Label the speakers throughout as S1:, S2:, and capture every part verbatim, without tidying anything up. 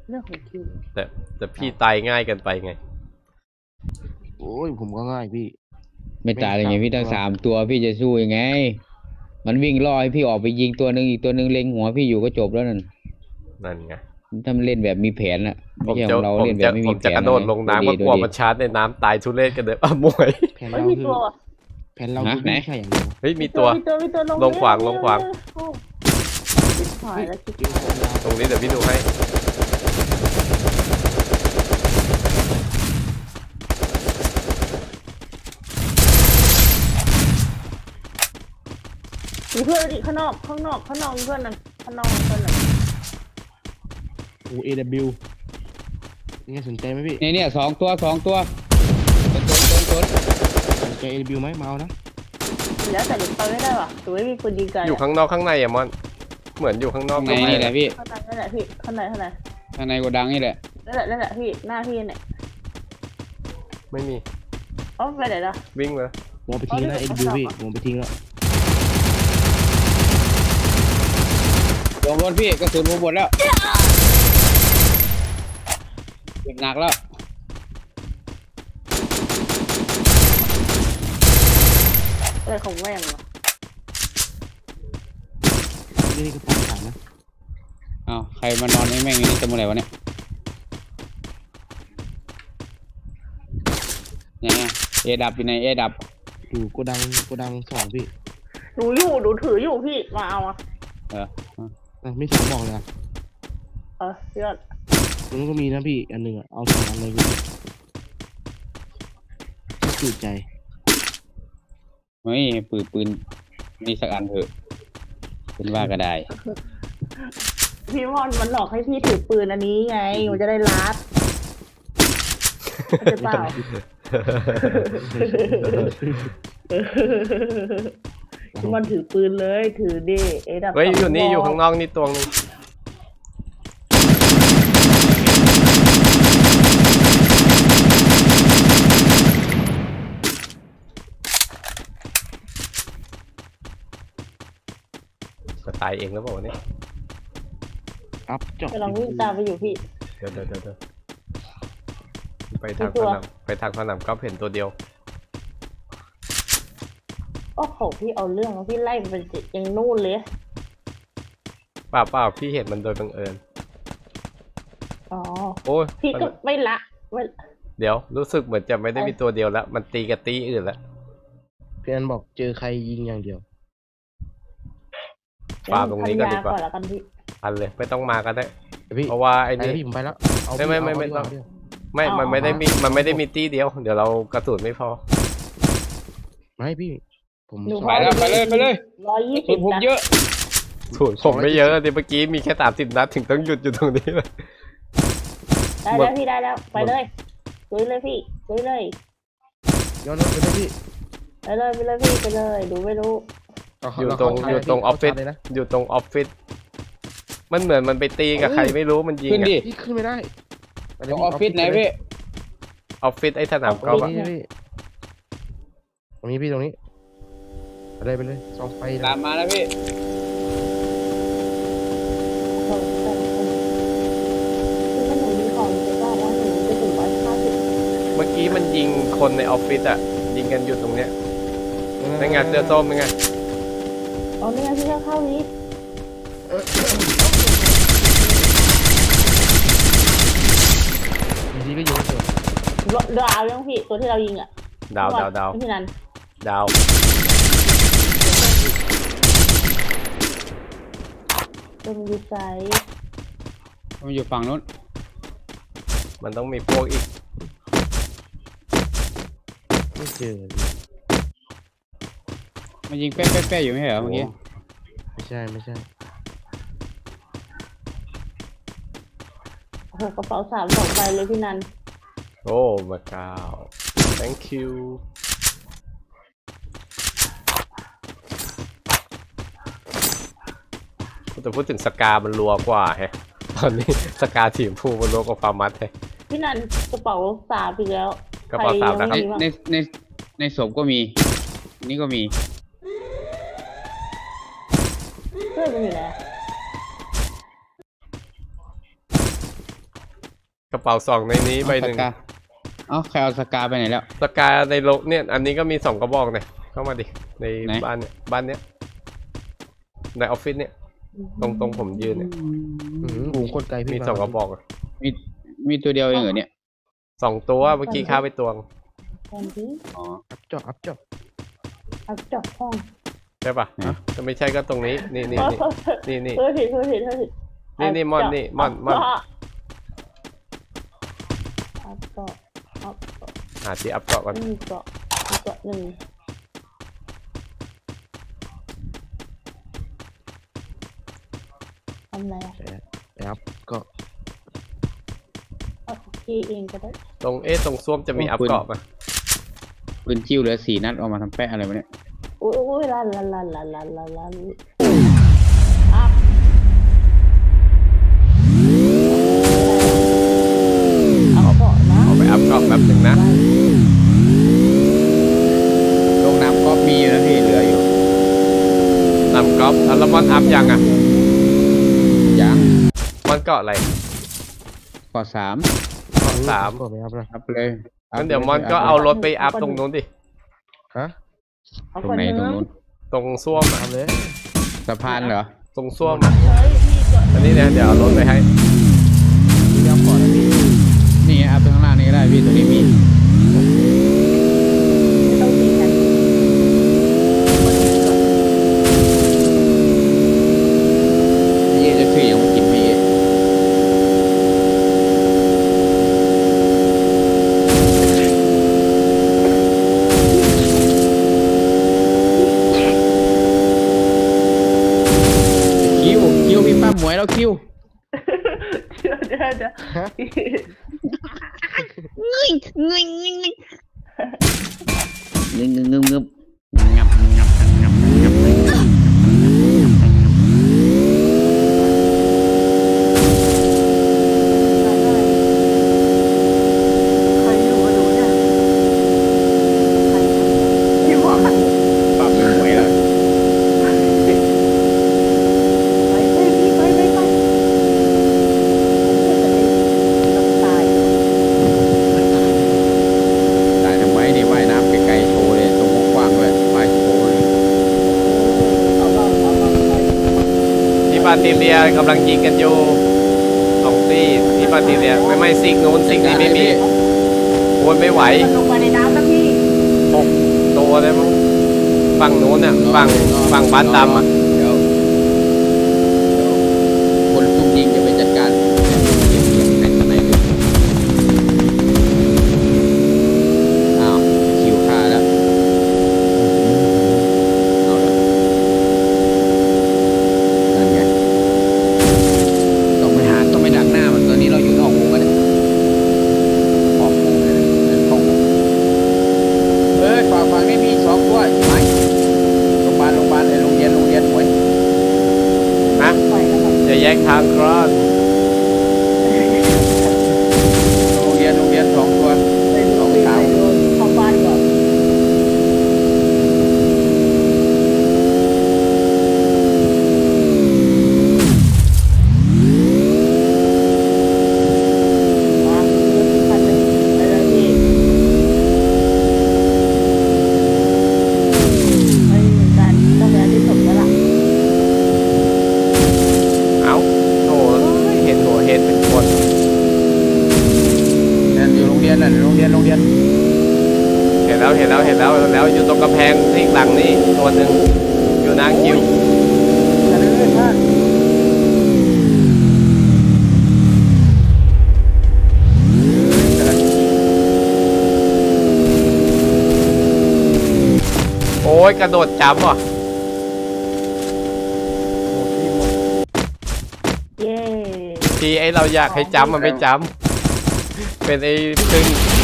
S1: เรื่องของคิว
S2: แต่แต่พี่ตายง่ายกันไปไง
S3: โอ้ยผมก็ง่ายพี่
S4: ไม่ตายเลยไงพี่ตั้งสามตัวพี่จะสู้ยังไงมันวิ่งล่อให้พี่ออกไปยิงตัวหนึ่งอีกตัวหนึ่งเล็งหัวพี่อยู่ก็จบแล้วนั่น
S2: นั่นไง
S4: ถ้ามันเล่นแบบมีแผนอะไม่ใช่ของเราเล่นแบบไม่มีแผน
S2: ผมจะกระโดดลงน้ำก็กลัวมันชาร์จในน้ำตายทุเรศกันเลยอ่ะมวย
S3: แผนเราคือแผนเราคือไม่ใช่อย่างเดียว
S2: เฮ้ยมีตัวลงขวางลงขวางตรงนี้เดี๋ยวพี่ดูให้
S1: มีเพื่อนดิข้างนอกข้างนอกข้างนอกมีเพื่อนนั่นข้างนอกมีเพื่อนนั่น
S3: โอ้เอวนี่สนใจไหมพี่
S4: เนี่ยเนี่ยสองตัวสองตัวต้นต้นต้นต้น
S3: สนใจเอวไหมเมานะ
S1: แล้วแต่เด็กไปไม่ได้ว่ะตัวไม่มีปืนยิงไกล
S2: อยู่ข้างนอกข้างในอะมอนเหมือนอยู่ข้างนอก
S4: ข้างในนี่แหละพี่
S1: ข้างในนั่นแหละพี่ข้างในข้างใน
S4: ข้างในโกดังนี่แหละ
S1: นั่นแหละนั่นแหละพี่หน้าพี่เนี่ย
S2: ไม่มี
S1: อ๋อไปไหนล่ะ
S2: วิ่งเลย
S3: ผมไปทิ้งแล้วเอวพี่ผมไปทิ้งแล้ว
S4: ลงรถพี่กระสุนหมดแล้วเจ็บหนักแล้ว
S1: อะไรของแม่งวะ
S3: นี่ก็ปวดขานะ
S4: อ้าวใครมานอนแม่งอย่างนี้จะเมื่อไหร่วะเนี่ยเนี่ยเอดับอยู่ในเอดับ
S3: อยู่โกดังโกดังสองพี่
S1: หนูอยู่หนูถืออยู่พี่มาเอาอ่ะ
S4: เออ
S3: ไม่สองบอกเลยอ่ะ
S1: เออเยอะ
S3: มันก็มีนะพี่อันหนึ่งอ่ะเอาสองอันเลยพี่จุดใจ
S4: เฮ้ยปืนปืนนี่สักอันเถอะเป็นว่าก็ได้
S1: พี่มอนมันหลอกให้พี่ถือปืนอันนี้ไงมันจะได้ลัดจะเปล่าพี่มอนถือปืนเลยถือดิเอดับ
S2: เฮ้ยอยู่นี่อยู่ข้างนอกนี่ตัวนึงตายเองแล้วบอกว่านี่
S3: ครับจบ
S1: กำลังวิ่งตามไปอยู่พี่
S2: เดี๋ยวเดี๋ยวเดี๋ยวไปทางสนามไปทางสนามก็เห็นตัวเดียว
S1: โอ้โหพี่เอาเรื่องพี่ไล่มันเป็นยังนู่นเลย
S2: เปล่าเปล่าพี่เห็นมันโดยบังเอิญ
S1: อ๋อ
S2: โอ้ย
S1: พี่ก็ไม่ละ
S2: เดี๋ยวรู้สึกเหมือนจะไม่ได้มีตัวเดียวแล้วมันตีกับตีอื่นแล้ว
S3: พี่อันบอกเจอใครยิงอย่างเดียว
S2: ฟาร์มตรงนี้ก็ดีกว่าอันเลยไม่ต้องมาก็ได้เพราะว่าไอ้นี่
S3: ผมไปแล้ว
S2: ไม่ไม่ไม่ไม่ต้องไม่มันไม่ได้มีมันไม่ได้มีตีเดียวเดี๋ยวเรากระสุนไม่พอ
S3: ไม่พี่ผม
S4: ไปแล้วไปเลยไปเลย
S1: ร้อยยี่สิบ
S4: ผมเยอะ
S2: สูตรผมไม่เยอะดิเมื่อกี้มีแค่สามสิบนัดถึงต้องหยุดอยู่ตรงนี้เลย
S1: ได้แล้วพี่ได้แล้วไปเลยลุยเลยพี่ลุยเลย
S3: ย้อนรถไปเลยพี่
S1: ไปเลยไปเลยพี่ไปเลยดูไม่รู้
S2: อยู่ตรงอยู่ตรงออฟฟิศอยู่ตรงออฟฟิศมันเหมือนมันไปตีกับใครไม่รู้มันยิง
S4: ขึ้นดิ
S3: ขึ้นไม่ได้
S4: ตรงออฟฟิศไหนพี่
S2: ออฟฟิศไอ้สนามกอล์ฟ
S3: ตรงนี้พี่ตรงนี้อะไรไปเลยส่องไฟ
S4: ตามมาแล้วพี่
S2: เมื่อกี้มันยิงคนในออฟฟิศอ่ะยิงกันอยู่ตรงเนี้ยในงานเสื้อส้มเป็นไง
S1: อ๋อนี่ไงพี่เข้านี้
S3: ดีก็เยอะ
S1: เลยดาวยังพี่ตัวที่เรายิงอ่ะ
S2: ดาวดาวดาว
S1: พี่นัน
S2: ดาว
S1: ตัวมันอยู่ไกล
S4: มันอยู่ฝั่งนู้น
S2: มันต้องมีพวกอีก
S3: ไม่เจอ
S4: มันยิงแป๊ะแป๊ะแป๊ะอยู่ไม่เหรอเมื่อกี้
S3: ไม่ใช่ไม่ใช่
S1: โอ้โหกระเป๋าสามสองใบเลยพี่นัน
S2: โอ้มาเก้า thank you แต่พูดถึงสกามันรัวกว่าแฮะตอนนี้สกาทีมผู้มันรัวกว่าฟาร์มัสแฮะ
S1: พี่นันกระเป๋าสามอีกแล้ว
S2: กระเป๋าสามนะครับ
S4: ในในในศพก็มีนี่ก็มี
S1: เพื่อนมันอยู่ไหน
S2: กระเป๋าสองในนี้ใบหนึ่ง
S4: สกาเอ้าใครเอาสกาไปไหนแล้ว
S2: สกาในโลกเนี่ยอันนี้ก็มีสองกระบอกเนี่ยเข้ามาดิใน
S4: ไหน
S2: บ้านเนี่ยบ้านเนี้ยในออฟฟิศเนี่ยตรงตรงผมยืนเนี่ย
S3: อืมหูคนไกลพี่
S2: มีสองกระบอกอะ
S4: มีมีตัวเดียวเองเหรอเนี่ย
S2: สองตัวเมื่อกี้ฆ่าไปตัวง
S1: ตอนที่
S4: อ๋อ
S3: อัพจอบอัพจอบ
S1: อัพจับห้อง
S2: ใช่ปะถ้าไม่ใช่ก็ตรงนี้นี่นี่นี่นี่นี่
S1: เธอเห็นเธอเห็นเธอเห็น
S2: นี่นี่มอนนี่มอนมอน
S1: อัพเกาะอัพเกาะ
S2: หาที่อัพเกาะก่อน
S1: หนึ่งเกาะเกาะหนึ่งทำไรอ่ะ
S3: แต่อัพก็
S1: เอาพี่เองก็ได้
S2: ตรงเอ๊ะตรงส้วมจะมีอัพเกาะปะ
S4: ปืนจิ้วเหลือสี่นัดเอามาทำแปะอะไรวะเนี่ย
S1: อุ้ยอุ้ยลันลันลันลันลันลันลันอัพเอาเกาะนะ
S2: เอาไปอัพเกาะแป๊บหนึ่งนะ
S4: ลงน้ำก็มีอยู่นะพี่เหลืออยู่
S2: นำกอล์ฟแล้วมอนอัพยังอ่ะ
S4: ยัง
S2: มอนเกาะอะไร
S4: กอสาม
S2: เกาะสาม
S3: ก็ไม่อัพนะ
S4: อัพเลยอัพ
S2: งั้นเดี๋ยว
S4: ล
S2: มอนก็เอารถไปอัพตรงนู้นดิ
S3: ฮะ
S1: เอา
S4: ตรง
S1: ก่อน
S4: ไหน
S1: เนื้
S4: ตรง
S1: อ
S4: นู้น
S2: ตรงส้วมอะ
S3: ทำเลย
S4: สะพานเหรอ
S2: ตรงส้วมอะ
S1: เลยพี่ก่อน
S2: อันนี้เนี่ยเดี๋ยวเอารถไปให้
S3: พี่อัพก่อนนะพี่
S4: นี่ไงอัพตรงข้างล่างนี่ก็ได้พี่ตรงนี้มี
S1: ไม่ต้องตีกัน
S4: พี่จะพี่ยังไม่กินพี่ คิวคิวพี่ป้าหมวยแล้วคิว
S1: เดี๋ยวเดี๋ยวเดี๋ยว
S3: ฮะ
S4: งึงงึงงึงงึงงึงงึงงึงงับงับงับงับงับ
S1: ใครอยู่กับหนูเนี่ยใครพี่ว่าไป
S4: ป้าหมวยแล้ว
S1: ไปพี่ไปไปไปต้องตาย
S4: ตายทำไมนี่ว่ายน้ำไกลๆโชว์เลยตรงกว้างด้วยว่ายโชว์เลย
S1: เอาบ้างเอาบ้างไป
S2: ที่บาติเลียกำลังยิงกันอยู่สองตีที่บาติเลียไม่ไม่ซิกนู้นซิกนี้ไม่มีโวนไม่ไหว
S1: มันลงมาในน้ำนะพี่
S2: หกตัวเลยมั้งฝั่งนู้นเนี่ยฝั่งฝั่งบ้านดำอ่ะ
S4: เดี๋ยวคนซุ่มยิงจะไปจัดการเก็บเก็บในข้างในเลยอ้าวคิวฆ่าแล้วเอาละนั่นไงต้องไปหาต้องไปดักหน้ามันตอนนี้เราอยู่นอกวงกันเนี่ยออกวงเลยเข้าวงเอ้ยฝั่งฝั่งนี้มีสองตัวใช่ไหมโรงพยาบาลโรงพยาบาลไอ้โรงเรียนโรงเรียนหวย
S2: นะ
S1: ไปแล้วครับ
S2: จะแยกทางกรอน
S4: โรงเรียนโรงเรียนสองตัว
S1: ไปดูพี่ไปดูเข้าบ้านก่อน มาคันหนึ่งไปเลยพี่ไม่เหมือนกันต้องไปอันที่สมแล้วล่ะ
S2: เอ้าโอ้ยเห็นหัวเห็นเป็นคน
S4: นั่นอยู่โรงเรียนนั่นโรงเรียนโรงเรียน
S2: เห็นแล้วเห็นแล้วเห็นแล้วเห็นแล้วอยู่ตรงกำแพงที่หลังนี่ตัวหนึ่งอยู่นางคิว
S1: จะเลื่อนมาก
S2: โอ้ยกระโดดจับว่ะ
S1: เย้
S2: ทีไอเราอยากให้จำมันไม่จำเป็นไอ้พึ่ง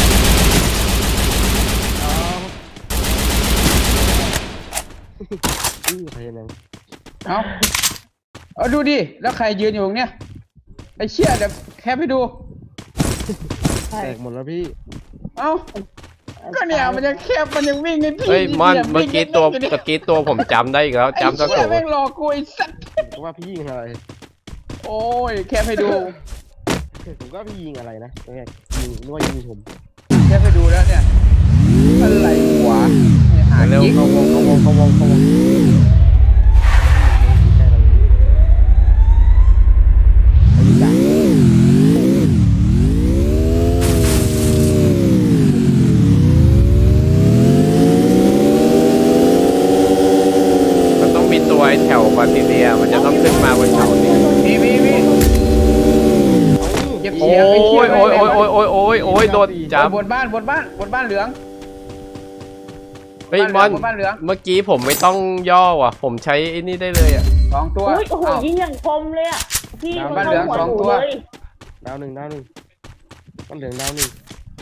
S3: อื้อใครยัง
S4: เอาเอาดูดิแล้วใครยืนอยู่ตรงเนี้ยไอ้เชี่ยเดี๋ยวแคปให้ดู
S1: ใช่
S3: แตกหมดแล้วพี่
S4: เอาก็เนี่ยมันยังแคบมันยังวิ่งไงพี่
S2: เฮ้ยมอน
S4: นี่ย
S2: เมื่อกี้ตัว
S4: วิ่งไง
S2: เมื่อกี้ตัวผมจำได้อีกแล้ว
S4: ไอ้
S2: จำตั้ง
S4: เชี่
S2: แต่
S4: ยแม่งหลอกกูไอ้สัส
S3: ผมก็ว่าพี่ยิงอะไร
S4: โอ้ยแคปให้ดู
S3: ผมก็พี่ยิงอะไรนะแรกยิงนึกว่ายิงผม
S4: แค่ไปดูแล้วเนี่ยอะไรวะหา
S2: เร็ว
S4: จิ๊ก
S2: เข้าวงเข้าวงเข้าวงเข้าวง
S3: ใกล้เราเอาดีจัง
S2: มันต้องมีตัวไอ้แถวบาติเลียมันจะต้องขึ้นมาบนเขานี่
S4: มีมีมีเก็บ
S2: โอ้
S4: เสียงไอ้
S2: ย
S4: เชี่
S2: โอ้ยโอ้ยโอ้ยโอ้ยโอ้ยโอ้ยโดนจับบ
S4: นบ้านบนบ้านบนบ้านเหลือง
S2: เฮ้ยมอน
S4: บนบ้านเหลือง
S2: เมื่อกี้ผมไม่ต้องย่อว่ะผมใช้ไอ้นี่ได้เลยอ่ะ
S4: สองตัว
S1: อุ้ยโอ้โห
S4: อ้าว
S1: ยิงอย่างคมเลยอ่ะพี่
S4: ดาว
S1: มัน
S4: บ้านเหลือง
S1: เข้าหัว
S4: สอง
S1: หนู
S4: ตัว
S1: เลย
S3: ดาวหนึ่งดาวหนึ่งต้นเหลืองดาวหนึ่ง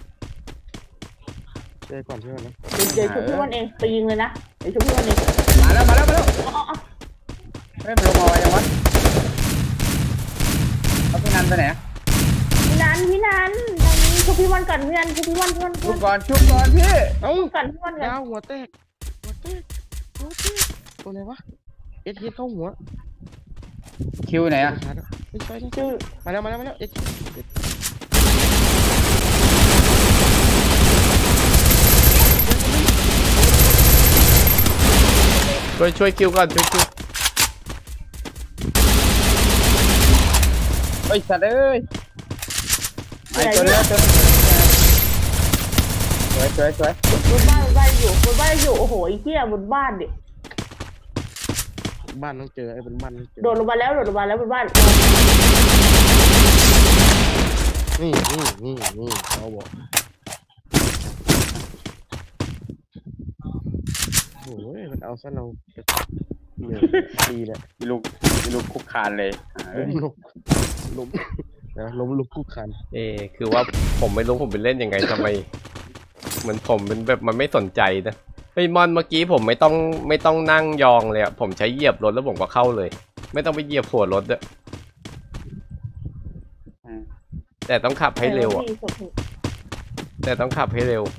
S3: เจอก่อนเพื่อนนะ
S1: เดี๋ยวชุบพี่วันเองไปยิงเลยนะเดี๋ยวชุบพี่วันเอง
S4: มาแล้วมาแล้วมาแล้ว
S1: อ๋ออ๋อ
S4: เฮ้ยมันลงมาไว้ยังวะเอาพี่นันไปไหน
S1: พี่นันพี่นันทางนี้ชุบพี่วันก่อนพี่นันชุบพี่วันพี่วัน
S4: ชุบก่อนชุบก่อนพี่
S3: เอ้า
S1: ชุบก่อนพี่วันก่อน
S3: ดาวหัวแตกหัวแตกหัวแตกตัวไหนวะเอสเเข้าหัว
S4: คิวไหนอะ
S3: ชาร์จไม่ใช่ไม่ใช่
S1: ชื่อ
S3: มาแล้วมาแล้วมาแล้วเอส
S2: ช่วยช่วยคิวก่อนช่วยคิว
S4: เฮ้ยสัตว์เอ้ยไอ้ตัวเนี้ยตัวสวยสวยสวย
S1: บนบ้านบนบ้านอยู่บนบ้านอยู่โอ้โหไอ้เหี้ยบนบ้านดิ
S3: บ้านต้องเจอไอ้บนบ้านต้องเจอ
S1: โดดลงมาแล้วโดดลงมาแล้วบนบ้าน
S3: นี่นี่นี่นี่เขาบอกโอ้ยมันเอาซะเราเหนื่อยตีเนี่ย
S4: มีลูกมีลูกคุกคานเลย
S3: ล้มลุกล้มนะล้มลุกคู่คัน
S2: เออคือว่าผมไม่รู้ผมไปเล่นยังไงทำไมเหมือนผมเป็นแบบมันไม่สนใจนะเฮ้ยมอนเมื่อกี้ผมไม่ต้องไม่ต้องนั่งยองเลยอะผมใช้เหยียบรถแล้วผมก็เข้าเลย ไม่ต้องไปเหยียบหัวรถด้วยแต่ต้องขับให้เร็วอะแต่ต้องขับให้เร็ว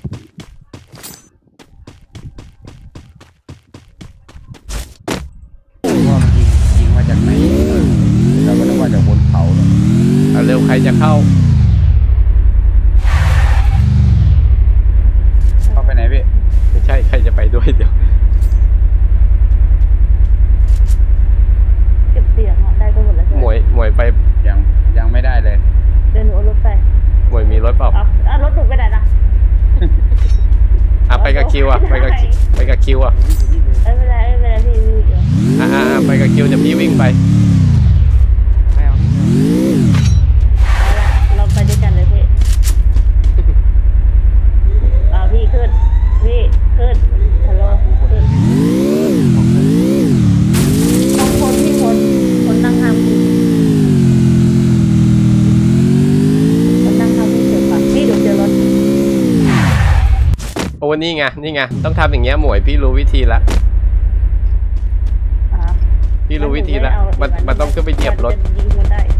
S4: ว่ามันยิงยิงมาจากไหนเราก็นึกว่าจากบนเขาเนอะ
S2: เอาเร็วใครจะเข้า
S4: เข้าไปไหนพี่
S2: ไม่ใช่ใครจะไปด้วยเดี๋ยว
S1: เก็บเสียงอ่ะได้ก็หมดแล้วใช่
S2: ห
S1: ไห
S2: ม
S1: ม
S2: วยหมวยไป
S4: ยังยังไม่ได้เลย
S1: เดินหนูเอารถไป
S2: หมวยมีรถเปล่า
S1: เอาเอารถหนูไปไหนนะ
S2: อ่ะไปกับคิวอ่ะไปกับคิวไปกับคิวอ่ะ
S1: ไม่เป็นไรไม่เป็นไรพี่พี่เดี๋ยว
S2: อ่ะอ่ะอ่ะไปกับคิวเดี๋ยวพี่วิ่งไป
S3: ไม่เอาไม่เอา
S1: เอาละเราไปด้วยกันเลยพี่เอาพี่ขึ้นพี่ขึ้นฮัลโหลขึ้นต้องคนพี่คนคนนั่งทำคนนั่งทำพี่เฉยปะพี่เดี๋ยวเจอรถ
S2: โอ้นี่ไงนี่ไงต้องทำอย่างเงี้ยหมวยพี่รู้วิธีละ
S1: อ่า
S2: พี่รู้วิธีละมันมันต้องขึ้นไปเหยียบรถ
S1: ยิงมันได้